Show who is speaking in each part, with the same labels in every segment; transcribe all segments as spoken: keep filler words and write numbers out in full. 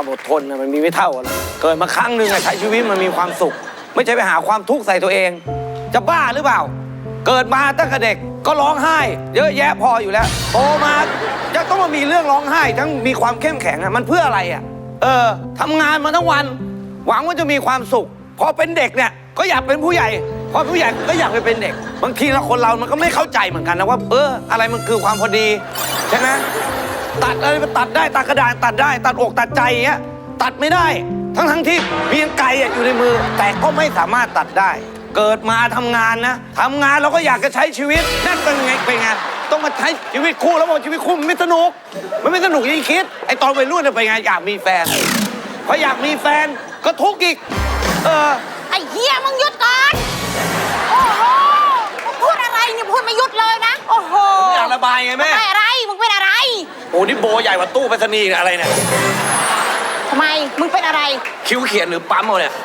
Speaker 1: ความอดทนมันมีไม่เท่ากันเกิดมาครั้งหนึ่งใช้ชีวิตมันมีความสุขไม่ใช่ไปหาความทุกข์ใส่ตัวเองจะบ้าหรือเปล่าเกิดมาตั้งแต่เด็กก็ร้องไห้เยอะแยะพออยู่แล้วโตมาจะต้องมามีเรื่องร้องไห้ทั้งมีความเข้มแข็งอะมันเพื่ออะไรอะเออทำงานมาทั้งวันหวังว่าจะมีความสุขพอเป็นเด็กเนี่ยก็อยากเป็นผู้ใหญ่พอผู้ใหญ่ก็อยากไปเป็นเด็กบางทีเราคนเรามันก็ไม่เข้าใจเหมือนกันนะว่าเอออะไรมันคือความพอดีใช่ไหมตัดอะไรตัดได้ตัดกระดาษตัดได้ตัดอกตัดใจอย่างเงี้ยตัดไม่ได้ทั้งทั้งที่มีไกลอยู่ในมือแต่ก็ไม่สามารถตัดได้เกิดมาทำงานนะทำงานเราก็อยากจะใช้ชีวิตนั่นเป็นไงเป็นไงต้องมาใช้ชีวิตคู่แล้วบอกชีวิตคู่มันไม่สนุกมันไม่สนุกอย่างที่คิดไอ้ตอนวัยรุ่นเป็นไงอยากมีแฟนพออยากมีแฟนก็ทุกข์อีกเออ
Speaker 2: ไอ้เหี้ยมึงหยุดก่อนโอ้โหมึงพูดอะไรเนี่ยพูดไม่หยุดเลยนะโอ้โห
Speaker 1: อยากระบายไงแม่
Speaker 2: ไม่อะไรมึงเป็นอะไร
Speaker 1: โอ้นี่โบใหญ่กว่าตู้ไปรษณีย์อะไรเนี่ย
Speaker 2: ทำไมมึงเป็นอะไร
Speaker 1: คิ้วเขียนหรือปั๊มเอาเนี่ย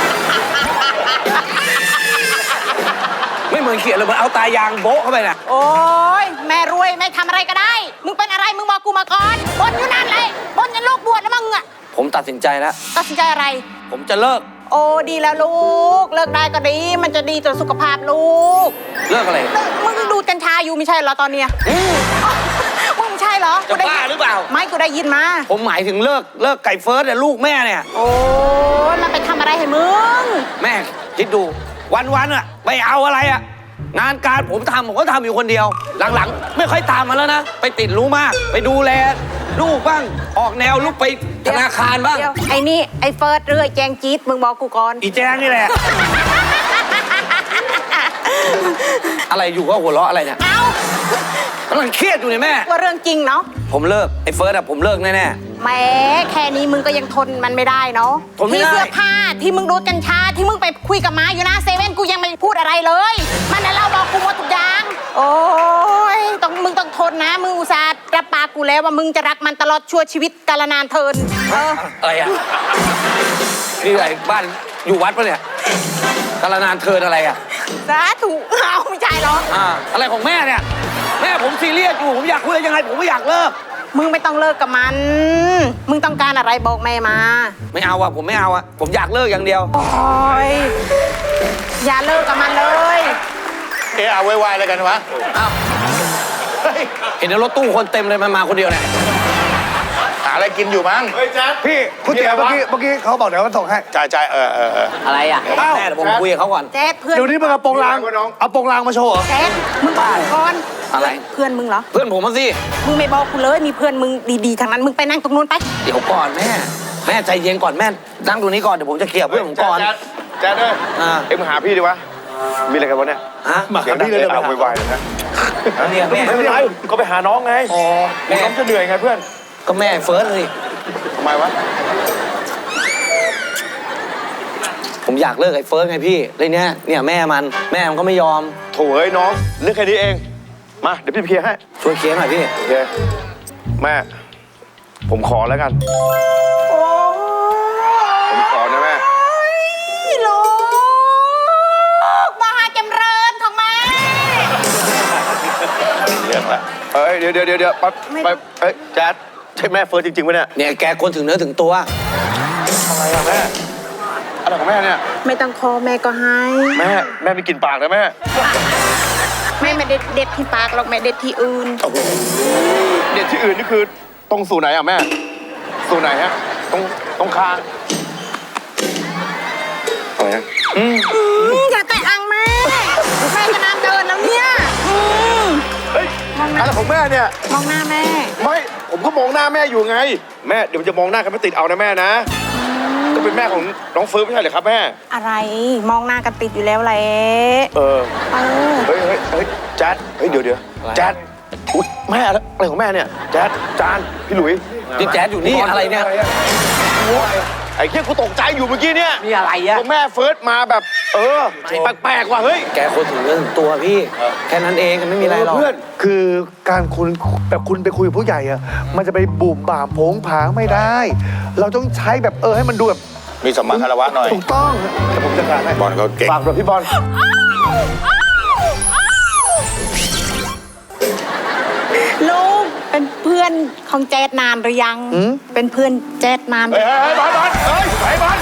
Speaker 1: ไม่เหมือนเขียนเลยเหมือนเอาตายางโบ๊ะเข้าไปน่ะ
Speaker 2: โอ้ยแม่รวยแม่ทำอะไรก็ได้มึงเป็นอะไรมึงบอกกูมาก่อนบนอยู่นั่นเลยบนยันลูกบวชแล้วมึงอะ
Speaker 1: ผมตัดสินใจแล้ว
Speaker 2: ตัดสินใจอะไร
Speaker 1: ผมจะเลิก
Speaker 2: โอ้ดีแล้วลูกเลิกได้ก็ดีมันจะดีต่อสุขภาพลูก
Speaker 1: เลิกอะไร
Speaker 2: มึงดูกัญชาอยู่ไม่ใช่เหรอตอนเนี้ยมึงใช่เหรอ
Speaker 1: จะบ้าหรือเปล่า
Speaker 2: ไม่กูได้ยินมา
Speaker 1: ผมหมายถึงเลิกเลิกไก่เฟิร์สเนี่ยลูกแม่เนี่ย
Speaker 2: โอ้มันไปทำอะไรให้มึง
Speaker 1: แม่คิดดูวันๆอะไปเอาอะไรอะงานการผมทำผมก็ทำอยู่คนเดียวหลังๆไม่ค่อยตามมาแล้วนะไปติดรู้มากไปดูแลลูกบ้างออกแนวลูกไปธนาคารบ้าง
Speaker 2: ไอ้นี่ไอ้เฟิร์สเรื่อยแจงจี๊ดมึงบอกกูก่อน
Speaker 1: อีแจงนี่แหละ อะไรอยู่ก็หัวเราะอะไรเนี่ย
Speaker 2: เอ้
Speaker 1: ากำลังเครียดอยู่เนี่ยแม่
Speaker 2: ว่าเรื่องจริงเนาะ
Speaker 1: ผมเลิกไอ้เฟิร์สอะผมเลิกแน่
Speaker 2: ๆแหมแค่นี้มึงก็ยังทนมันไม่ได้เนาะ
Speaker 1: ที่
Speaker 2: เสื้อผ้าที่มึงดูดกัญชาที่มึงไปคุยกับม้าอยู่หน้าเซเว่นกูยังไม่พูดอะไรเลยมันน่ะเล่าบอกกูหมดทุกอย่างโอ้ยต้องมึงต้องทนนะมึงอุตส่าห์รับปากกูแล้วว่ามึงจะรักมันตลอดชั่วชีวิตกาลนานเทินเออ
Speaker 1: อะไรอะนี่อะไรบ้านอยู่วัดปะเนี่ยกาลนานเทินอะไรอะ
Speaker 2: สาธุเอาไม่ใช่หรอ
Speaker 1: อ่าอะไรของแม่เนี่ยแม่ผมซีเรียสอยู่ผมอยากคุยยังไงผมไม่อยากเลิก
Speaker 2: มึงไม่ต้องเลิกกับมันมึงต้องการอะไรบอกแม่มา
Speaker 1: ไม่เอาอะผมไม่เอาอะผมอยากเลิกอย่างเดียว
Speaker 2: โอ้ยอย่าเลิกกับมันเลย
Speaker 3: เออเอาไว้ๆแล้วกันวะ
Speaker 1: อ้าวเห็นในรถตู้คนเต็มเลยมันมาคนเดียวเนี่ย
Speaker 3: หาอะไรกินอยู่มั้ง
Speaker 4: เฮ้ยแจ๊ดพี่คุณเตี๋ยวเมื่อกี้เมื่อกี้เขาบอกเดี๋ยวมันส่งให้
Speaker 3: จ่ายจ่ายเออเออเออ
Speaker 1: อะไรอ่ะแม่เดี๋ยวผมคุยกับเขาก่อน
Speaker 2: แจ๊ดเพื่อน
Speaker 4: เดี๋ยวนี้มึงเอาโปรงลางเอาโปรงลางมาโชว์
Speaker 2: แจ๊ดมึงบ้าก่อน
Speaker 1: อะไร
Speaker 2: เพื่อนมึงเหรอ
Speaker 1: เพื่อนผมมาสิ
Speaker 2: มึงไม่บอกกูเลยมีเพื่อนมึงดีๆทางนั้นมึงไปนั่งตรงนู้นไป
Speaker 1: เดี๋ยวก่อนแม่แม่ใจเย็นก่อนแม่นั่งตรงนี้ก่อนเดี๋ยวผมจะเคลียร์เพื่อนผมก่อน
Speaker 3: แจ๊ดเลยเอ็งมาหาพี่ดิวะมีอะไรกันวะเนี่ย
Speaker 1: ฮะ
Speaker 3: มาหาพี่เลยเอาไวๆเลยนะ
Speaker 1: เนี่ยแม่
Speaker 3: ไม่เป็นไรก็ไปหาน้องไง
Speaker 1: อ๋อ
Speaker 3: แม่น้องจะเหนื่อยไงเพื่อน
Speaker 1: ก็แม่เฟิร์สเลย
Speaker 3: ทำไมวะ
Speaker 1: ผมอยากเลิกไอ้เฟิร์สไงพี่เลยเนี้ยเนี่ยแม่มันแม่มันก็ไม่ยอม
Speaker 3: โถ่เอ้ยน้องเรื่องแค่นี้เองมาเดี๋ยวพี่เคลียร์ให้
Speaker 1: ช่วยเคลียร์หน่อยพี่
Speaker 3: โอเคแม่ผมขอแล้วกันผมขอนะแม่
Speaker 2: ลูกมหาจำเริญของแม่
Speaker 3: เรื่องละเอ้ยเดี๋ยวเดี๋ยวเดี๋ยวไปไปเอ้ยแจ๊ดใช่แม่เฟิร์สจริงๆไหมเนี่ย
Speaker 1: เนี่ยแกคนถึงเนื้อถึงตัว
Speaker 3: อะไรอะแม่อะไรของแม่เนี่ย
Speaker 2: ไม่ต้องขอแม่ก็ให้
Speaker 3: แม่แม่ไม่กินปากนะแม่
Speaker 2: แม่ไม่เด็ดเด็ดที่ปากหรอกแม่เด็ดที่อื่น
Speaker 3: เด็ดที่อื่นนี่คือตรงสู่ไหนอะแม่สู่ไหนฮะตรงตรงคางอะไรฮะ
Speaker 2: อืมอย่าแตะอังแม่แม่จะน้ำเดินแล้วเนี่ย
Speaker 3: เฮ้ยอะไรของแม่เนี่ย
Speaker 2: มองหน้าแม่
Speaker 3: ไม่ผมก็มองหน้าแม่อยู่ไงแม่เดี๋ยวจะมองหน้ากันไม่ติดเอานะแม่นะก็เป็นแม่ของน้องเฟิร์สไม่ใช่เหรอครับแม่
Speaker 2: อะไรมองหน้ากันติดอยู่แล้วแหละ
Speaker 3: เออ
Speaker 2: เออ
Speaker 3: เฮ้ยเฮ้ยเฮ้ยแจ๊ดเฮ้ยเดี๋ยวเดี๋ยวแจ๊ดอุ๊ยแม่อะไรของแม่เนี่ยแจ๊ดจานพี่หลุย
Speaker 1: นี่แจ๊ดอยู่นี่อะไรเนี่ย
Speaker 3: ไอ้เหี้ยกูตกใจอยู่เมื่อกี้เนี่ย
Speaker 1: มีอะไรอะ
Speaker 3: แม่เฟิร์สมาแบบเออแปลกๆว่ะเฮ้ย
Speaker 1: แกคนถึงเรื่องตัวพี่แค่นั้นเองไม่มีอะไรหรอก
Speaker 4: เพื่อนคือการคุณแบบคุณไปคุยกับผู้ใหญ่อะมันจะไปบุ่มบ่ามโผงผางไม่ได้เราต้องใช้แบบเออให้มันดูแบบ
Speaker 3: มีสมมาคารวะหน่อย
Speaker 4: ถูกต้องแต่ผมจะการให้
Speaker 3: บอลก็เก่ง
Speaker 4: ฝากแบบพี่บอล
Speaker 2: ลูกไปเป็นเพื่อนของแจ๊ดนานหรือยัง เป็นเพื่อนแจ๊ดนานหรื
Speaker 3: เฮ้
Speaker 2: อย ยัง
Speaker 3: เฮ้ยบอลบอลเฮ้ยไอ้บอล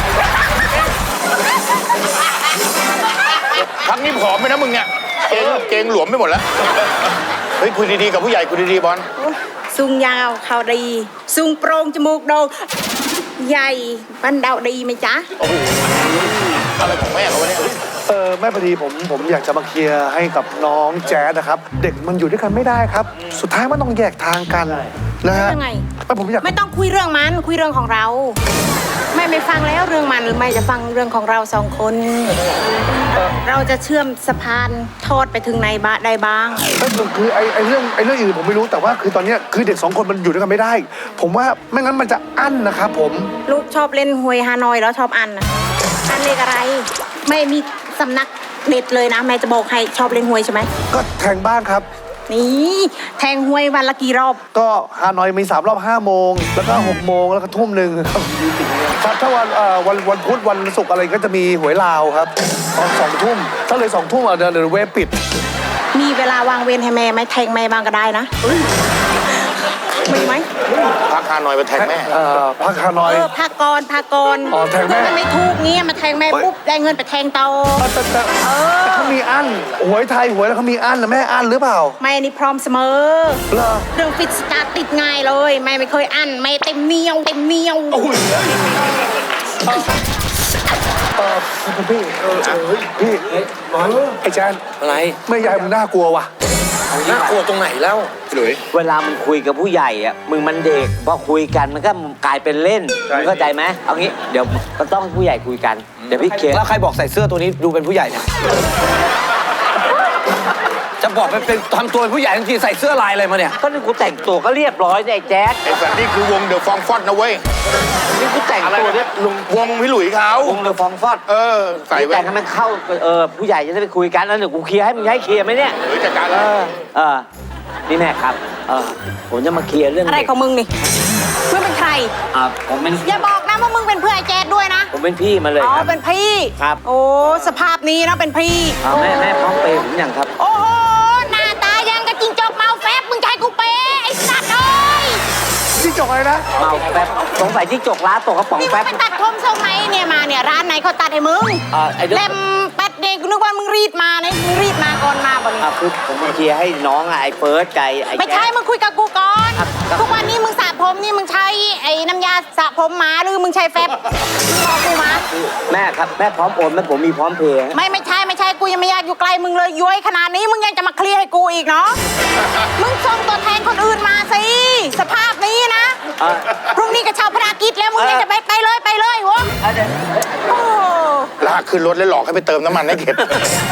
Speaker 3: พักนี้ผอมไปนะมึงเนี่ยเกงเกงหลวมไปหมดแล้วเฮ้ยคุยดีๆกับผู้ใหญ่คุยดีๆบอล
Speaker 2: สูงยาวเขาดีสูงโปร่งจมูกโด่งใหญ่บันเดาดีไหมจ๊ะ
Speaker 3: โอ้โหอะไรของแม่เขาวะเนี่ย
Speaker 4: เออแม่พอดีผมผมอยากจะมาเคลียร์ให้กับน้องแจ๊ดนะครับ เด็กมันอยู่ด้วยกันไม่ได้ครับ สุดท้ายมันต้องแยกทางกันนะฮะ
Speaker 2: ยังไง
Speaker 4: ไม่ผมอยาก
Speaker 2: ไม่ต้องคุยเรื่องมันคุยเรื่องของเรา ไม่ไม่ฟังแล้วเรื่องมันหรือไม่จะฟังเรื่องของเราสองคน เราจะเชื่อมสะพานทอดไปถึงไหนบ้างได้บ้าง
Speaker 4: ก็คือไอ้ไอ้เรื่องไอ้เรื่องอื่นผมไม่รู้แต่ว่าคือตอนเนี้ยคือเด็กสองคนมันอยู่ด้วยกันไม่ได้ ผมว่าไม่งั้นมันจะอั้นนะครับผม
Speaker 2: ลูกชอบเล่นหวยฮานอยแล้วชอบอันนะอันเลขอะไร ไม่มีสำนักเด็ดเลยนะ แม่จะบอกให้ชอบเล่นหวยใช่ไหม
Speaker 4: ก็แทงบ้างครับ
Speaker 2: นี่แทงหวยวันละกี่รอบ
Speaker 4: ก็ฮานอยมีสามรอบห้าโมงแล้วก็หกโมงแล้วก็ทุ่มหนึ่งครับถ้าถ้าวันเอ่อวันวันพุธวันศุกร์อะไรก็จะมีหวยลาวครับตอนสองทุ่มถ้าเลยสองทุ่มอ่ะเดี๋ยวเดี๋ยวเว็บปิด
Speaker 2: มีเวลาวางเวรให้แม่ไหมแทงแม่บ้างก็ได้นะมีไหม
Speaker 3: พักฮานอยไปแทงแม่
Speaker 4: เอ่อพักฮานอย
Speaker 2: เออพากรพากร
Speaker 4: อ๋อแทงแม่
Speaker 2: มันไม่ถูกเงี้ยมาแทงแม่ปุ๊บได้เงินไปแทงเตา
Speaker 4: แต่แต่
Speaker 2: เออ
Speaker 4: แต่เขามีอันหวยไทยหวยแล้วเขามีอันนะแม่อันหรือเปล่า
Speaker 2: แม่นี่พร้อมเสมอ
Speaker 4: เหรอ
Speaker 2: เรื่องฟิตสตาร์ทติดง่ายเลยแม่ไม่เคยอั้นแม่เต็มเมียวเต็มเมียว
Speaker 4: เออพี่เออเออพี่ไอ้แจน
Speaker 1: อะไร
Speaker 4: แม่ยายมึงน่ากลัวว่ะ
Speaker 1: น่ากลัวตรงไหนแล้ว
Speaker 3: หลุย
Speaker 5: เวลามึงคุยกับผู้ใหญ่อะมึงมันเด็กพอคุยกันมันก็กลายเป็นเล่น
Speaker 3: ใช่
Speaker 5: มึงเข้าใจไหมเอางี้เดี๋ยวก็ต้องให้ผู้ใหญ่คุยกันเดี๋ยวพี่เคลียร์
Speaker 1: แล้วใครบอกใส่เสื้อตัวนี้ดูเป็นผู้ใหญ่เนี่ย จะบอกเป็นเป็นทำตัวเป็นผู้ใหญ่ทันทีใส่เสื้อลายอะไรมาเนี่ย
Speaker 5: ก็นี่กูแต่งตัวก็เรียบร้อยเนี่ยไอ้แจ๊ด
Speaker 3: ไอ้สัตว์นี่คือวงเดอะฟองฟอดนะเว้ย
Speaker 5: นี่กูแต่งตัวเนี่ย
Speaker 3: ลุงวงพี่หลุยเขา
Speaker 5: วงเดอะฟองฟอด
Speaker 3: เออใส่ไว้
Speaker 5: แต่งให้มันเข้าเออผู้ใหญ่จะได้ไปคุยกันแล้วเดี๋ยวกูเคลียร์ให้มึงให้เคลียร์ไหมเนี่ย
Speaker 3: หลุยจัดการ
Speaker 5: เอ
Speaker 3: แล้ว
Speaker 5: อเออนี่แม่ครับเออผมจะมาเคลียร์เรื่อง
Speaker 2: อะไรของมึงนี่เพื่อนเป็นใคร
Speaker 5: อ่าผมเป็น
Speaker 2: อย่าบอกนะว่ามึงเป็นเพื่อนไอ้แจ๊ดด้วยนะ
Speaker 5: ผมเป็นพี่มาเลย
Speaker 2: อ๋อ
Speaker 5: ครับ
Speaker 2: เป็นพี่
Speaker 5: ครับ
Speaker 2: โอ้สภาพนี้นะเป็นพี่
Speaker 5: อ่าแม่แม่พร้อมเปย์ผมยังครับ
Speaker 2: โอ้โหหน้าตายังกับจิงจอกเมาแฟบมึงจะให้กูเปย์ไอ้สัตว์เอ้ย
Speaker 4: ที่จกอะไรนะ
Speaker 5: เมาแป๊บสงสัยที่จกร้านตกกระป๋อง
Speaker 2: นี่มึ
Speaker 5: แป๊
Speaker 2: ง
Speaker 5: บ
Speaker 2: ไปตัดผมทรงไหนเนี่ยมาเนี่ยร้านไหนเขาตัดให้มึง
Speaker 5: อ่าไอ้เรื่อง
Speaker 2: เล่มแป๊ดเด็กกูนึกว่ามึงรีดมาเนี่ยมึงรีดมาก่อนมาบ่เนี่ย
Speaker 5: อ่ะคือผมมาเคลียร์ให้น้องอ่ะไอ้เฟิร์สไก่ไอ้
Speaker 2: ไม่ใช่
Speaker 5: แจ๊ค
Speaker 2: มึงคุยกับกูก่อน
Speaker 5: ครับครับ
Speaker 2: ทุกวันนี้มึงสระผมนี่มึงใช้ไอ้น้ำยาสระผมหมาหรือมึงใช้แฟบมึงบอกกูมา
Speaker 5: แม่ครับแม่พร้อมโอนไหมผมมีพร้อมเพย์
Speaker 2: ไม่ไม่ใช่ไม่ใช่กูยังไม่อยากอยู่ไกลมึงเลยย้วยขนาดนี้มึงยังจะมาเคลียร์ให้กูอีกเนาะ มึงส่งตัวแทนคนอื่นมาสิสภาพนี้นะ
Speaker 5: อ่ะ
Speaker 2: พรุ่งนี้ก็ชาวพนักกิจแล้วมึงยังจะไปไปเลยไปเลยโว้
Speaker 5: อ่ะเดี๋ยว
Speaker 2: โอ้
Speaker 3: ลากขึ้นรถแล้วหลอกให้ไปเติมน้ำมันให้เข็ด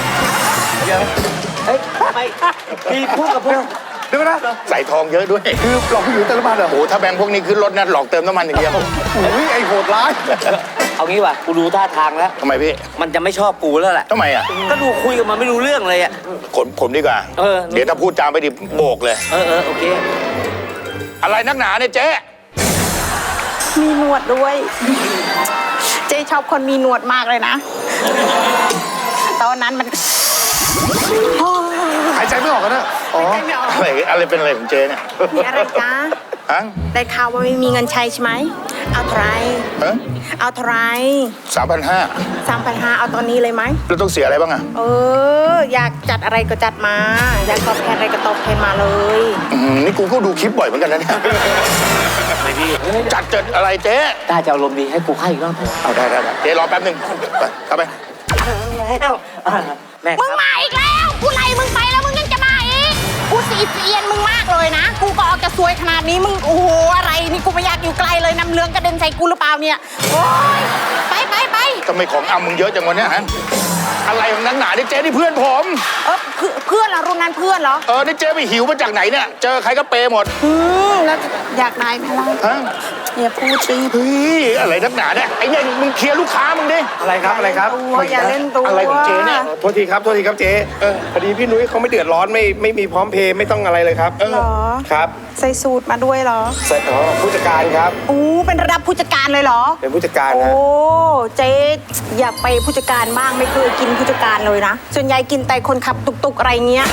Speaker 5: เฮ้ยทำไมพี่พูดกับพวก
Speaker 4: เดี๋ยวนะ
Speaker 3: ใส่ทองเยอะด้วย
Speaker 4: คือหลอกผู้หญิงแต่ละบ้านเหรอ
Speaker 3: โอ้โหถ้าแบงค์พวกนี้ขึ้นรถนะหลอกเติมน้ำมันอย่างเดียว
Speaker 4: อุ้ยไอ้โหดร้าย
Speaker 5: เอางี้ว่ะกูดูท่าทางแล้ว
Speaker 3: ทำไมพี่
Speaker 5: มันจะไม่ชอบกูแล้วแหละ
Speaker 3: ทำไมอ่ะ
Speaker 5: ก็ดูคุยกับมันไม่รู้เรื่องเลยอ่ะ
Speaker 3: ผมผมดีกว่า
Speaker 5: เออ
Speaker 3: เดี๋ยวถ้าพูดจามไปดิโบกเลย
Speaker 5: เออเออโอเค
Speaker 3: อะไรนักหนาเนี่ยเจ๊
Speaker 2: มีหนวดด้วย เจ๊ชอบคนมีหนวดมากเลยนะ ตอนนั้นมันโอ้ย
Speaker 4: หายใจไม่ออกกันนะอ๋อ
Speaker 2: ใจไม่ออก
Speaker 3: อะไรอะไรเป็นอะไรของเจ๊เนี่ย
Speaker 2: มีอะไรจ๊ะ
Speaker 3: ฮะ
Speaker 2: ได้ข่าวว่าไม่มีเงินใช้ใช่ไหมเอาเท่าไหร
Speaker 3: ฮะ
Speaker 2: เอาเท่าไหร
Speaker 3: สามพันห้า
Speaker 2: สามพันห้าเอาตอนนี้เลยไหม
Speaker 3: แล้วต้องเสียอะไรบ้างอ่ะ
Speaker 2: เออ อยากจัดอะไรก็จัดมา อยากตอบแทนอะไรก็ตอบแทนมาเลย
Speaker 3: อืมนี่กูก็ดูคลิปบ่อยเหมือนกันนะเนี่ย
Speaker 5: ไม่พี่
Speaker 3: จัดเจิดอะไรเจ๊
Speaker 5: ถ้าจะเอาลมณ์ดีให้กูให้อีกรอบเถอะ
Speaker 3: เอาได้ได้ได้เจ๊รอแป๊บหนึ่งไปเข้าไป
Speaker 5: แล้วอ่ะแม่ค
Speaker 2: มึง
Speaker 5: รับ
Speaker 2: มาอีกแล้ว กูไล่มึงไปแล้วมึงยังจะมาอีก กูสีเสียนมึงมากเลยนะ กูก็ออกจะสวยขนาดนี้มึงโอ้โหอะไรนี่กูไม่อยากอยู่ไกลเลยน้ำเลืองกระเด็นใส่กูหรือเปล่าเนี่ย โอ๊ยไปไปไป
Speaker 3: ทำไมของอำมึงเยอะจังวะเนี่ยฮะ อะไรของนักหนาเนี่ยเจ๊นี่เพื่อนผม
Speaker 2: เออเพื่อนเพื่อนเหรอรุ่นนั้นเพื่อนเหรอ
Speaker 3: เออ นี่เจ๊ไปหิวมาจากไหนเนี่ย เจอใครก็เปย์หมด
Speaker 2: อืมแล้วอยากได้ไหมล่ะ
Speaker 3: ฮะ
Speaker 2: อย่าพูดสิ
Speaker 3: เฮ้ยอะไรนักหนาเนี่ยไอ้เนี่ยมึงเคลียร์ลูกค้ามึงดิ
Speaker 4: อะไรครับอะไรครับ
Speaker 2: อย่าเล่นตัว
Speaker 3: อะไรของเจ๊เนี่ย
Speaker 6: โทษทีครับโทษทีครับเจ๊เออพอดีพี่นุ้ยเขาไม่เดือดร้อนไม่ไม่มีพร้อมเพย์ไม่ต้องอะไรเลยครับ
Speaker 2: เหรอ
Speaker 6: ครับ
Speaker 2: ใส่สูตรมาด้วยเหรอ
Speaker 6: ใส่อ๋อผู้จัดการครับ
Speaker 2: อู้เป็นระดับผู้จัดการเลยเหรอ
Speaker 6: เป็นผู้จัดการ
Speaker 2: โอ้
Speaker 6: นะ
Speaker 2: เจ๊อยากไปผู้จัดการบ้างไม่เคยกินผู้จัดการเลยนะ ส่วนใหญ่กินแต่คนขับตุกๆอะไรเงี้ย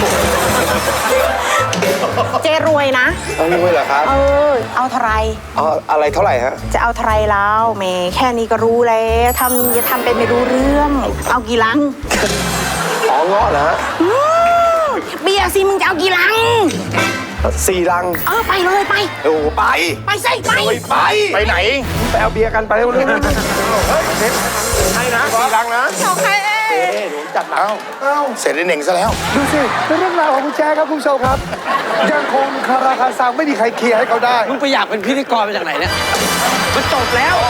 Speaker 2: เจ๊รวยนะ
Speaker 6: เอารู้เหรอครับ
Speaker 2: เออ เอาเท่าไหร
Speaker 6: อ๋ออะไรเท่าไหร่ฮะ
Speaker 2: จะเอาเท่าไหรแล้วแหมแค่นี้ก็รู้แล้วทำจะทำเป็นไม่รู้เรื่อง เอากี่ลัง
Speaker 6: อ๋อเงาะเหรอฮะ
Speaker 2: อืมเบียร์สิมึงจะเอากี่ลัง
Speaker 6: สี่ลัง
Speaker 2: เออไปเลยไป
Speaker 6: โอ้ไป
Speaker 2: ไปสิไป
Speaker 6: ไป
Speaker 3: ไปไหน
Speaker 6: ไปเอาเบียร์กันไปเร็วๆเร็วๆเฮ้ยเซ็ตให้นะสี่ลังนะ
Speaker 2: โอเค
Speaker 3: จัดเอ้าเอ้าเสร็จไอ้เหน่งซะแล้ว
Speaker 4: ดูสิเป็นเรื่องราวของคุณแจ๊คครับคุณผู้ชมครับ ยังคงคาราคาซังไม่มีใครเคลียร์ให้เขาได้
Speaker 1: มึงไปอยากเป็นพิธีกรมาจากไหนเนี่ย มันจบแล้ว